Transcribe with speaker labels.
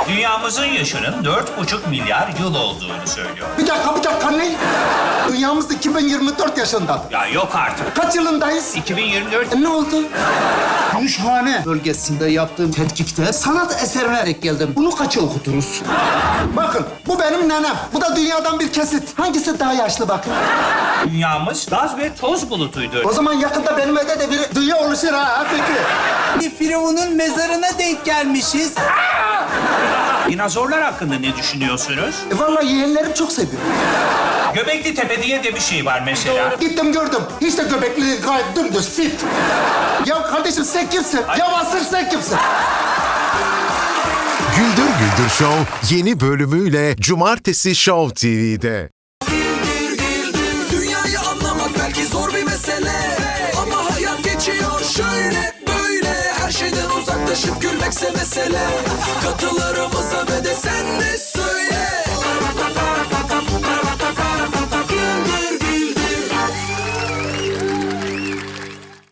Speaker 1: Dünyamızın yaşının 4,5 milyar yıl olduğunu söylüyor.
Speaker 2: Bir dakika ne? Dünyamız 2024 yaşında.
Speaker 1: Ya yok artık.
Speaker 2: Kaç yılındayız?
Speaker 1: 2024.
Speaker 2: Ne oldu?
Speaker 3: Gümüşhane bölgesinde yaptığım tetkikte sanat eserine denk geldim. Bunu kaça okuturuz?
Speaker 2: Bakın bu benim nenem. Bu da dünyadan bir kesit. Hangisi daha yaşlı bakın?
Speaker 1: Dünyamız gaz ve toz bulutuydu.
Speaker 2: O zaman yakında benim evde de bir dünya oluşur ha Fikri.
Speaker 4: Bir firavunun mezarına denk gelmişiz.
Speaker 1: Dinozorlar hakkında ne düşünüyorsunuz?
Speaker 2: Vallahi yeğenlerim çok seviyor.
Speaker 1: Göbekli Tepe diye de bir şey var mesela.
Speaker 2: Gittim gördüm. Hiç de göbekli değil, gayet dümdüz, fit. Ya kardeşim sen kimsin? Ya asır sen kimsin?
Speaker 5: Güldür Güldür Show yeni bölümüyle Cumartesi Show TV'de.
Speaker 6: Dünyayı anlamak belki zor bir mesele, ama hayat geçiyor şöyle böyle. Her şeyden uzaklaşıp gülmekse mesele. Katılarımıza ve de sen de